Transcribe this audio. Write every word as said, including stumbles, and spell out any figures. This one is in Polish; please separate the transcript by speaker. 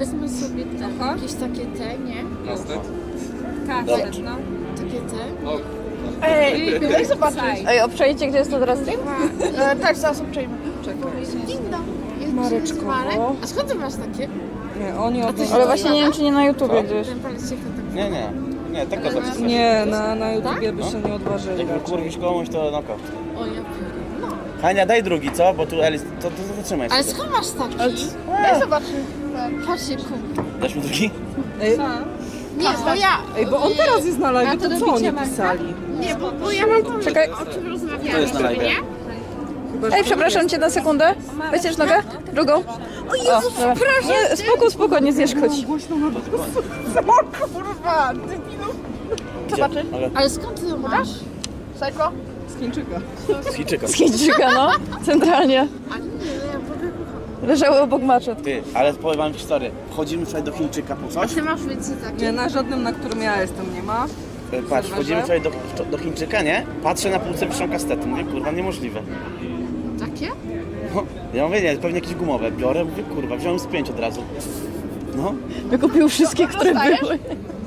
Speaker 1: Wezmę sobie te, jakieś takie te, nie?
Speaker 2: Kastet?
Speaker 1: Kastet, no. Takie te.
Speaker 2: O,
Speaker 3: Ej, daj zobaczyć.
Speaker 4: Ej, obczajcie, gdzie jest to teraz?
Speaker 3: E, tak, zaraz obczajmy.
Speaker 1: Ding dong. Jest
Speaker 4: Mareczko.
Speaker 1: Marek. A skąd ty masz takie?
Speaker 5: Nie, oni od...
Speaker 4: Ale właśnie nie wiem, czy nie na YouTubie gdzieś.
Speaker 1: Ten palec się tak.
Speaker 2: nie, nie. Nie, tego zapisać.
Speaker 5: Nie, na, na YouTubie by się nie odważyli.
Speaker 2: Jak wykurwisz komuś, to noko.
Speaker 1: O, ja pierdolę. No.
Speaker 2: Hania, daj drugi, co? Bo tu Elis, to, to, to zatrzymaj
Speaker 1: Ale
Speaker 2: sobie.
Speaker 1: skąd masz taki?
Speaker 3: Daj zobaczyć.
Speaker 1: Patrzcie, kum.
Speaker 2: Dasz mi drugi?
Speaker 5: Ej,
Speaker 1: Nie, bo ja...
Speaker 5: ej, bo on teraz jest na live,
Speaker 1: to
Speaker 5: to co
Speaker 1: do
Speaker 5: oni
Speaker 1: bicia
Speaker 5: pisali?
Speaker 1: Nie, bo, bo ja mam pomysł,
Speaker 4: Czekaj.
Speaker 1: o czym rozmawiamy.
Speaker 2: To jest na live.
Speaker 1: Nie?
Speaker 4: Ej, przepraszam cię na sekundę. Weźmiesz nogę? Drugą? O Jezu, przepraszam. Nie, spoko, spoko, nie znieszkodź.
Speaker 3: O kurwa, debilu. Zobaczyć.
Speaker 2: Ale
Speaker 1: Ale skąd ty to masz?
Speaker 3: Psycho?
Speaker 5: Z Chińczyka.
Speaker 2: z Chińczyka.
Speaker 4: Z Chińczyka, no. Centralnie.
Speaker 1: A nie, no ja powiem.
Speaker 4: Leżały obok maczet.
Speaker 2: Ty, ale powiem wam historię. Wchodzimy tutaj do Chińczyka po
Speaker 1: A
Speaker 2: coś.
Speaker 1: ty masz więcej takie?
Speaker 5: Nie, na żadnym, na którym ja jestem, nie ma.
Speaker 2: E, Patrz, wchodzimy tutaj do, do Chińczyka, nie? Patrzę na półce, piszą kastety. Mówię, kurwa, niemożliwe.
Speaker 1: Takie?
Speaker 2: No, ja mówię, nie, pewnie jakieś gumowe. Biorę, mówię, kurwa, wziąłem z pięć od razu. No,
Speaker 4: Wykupił wszystkie, które były.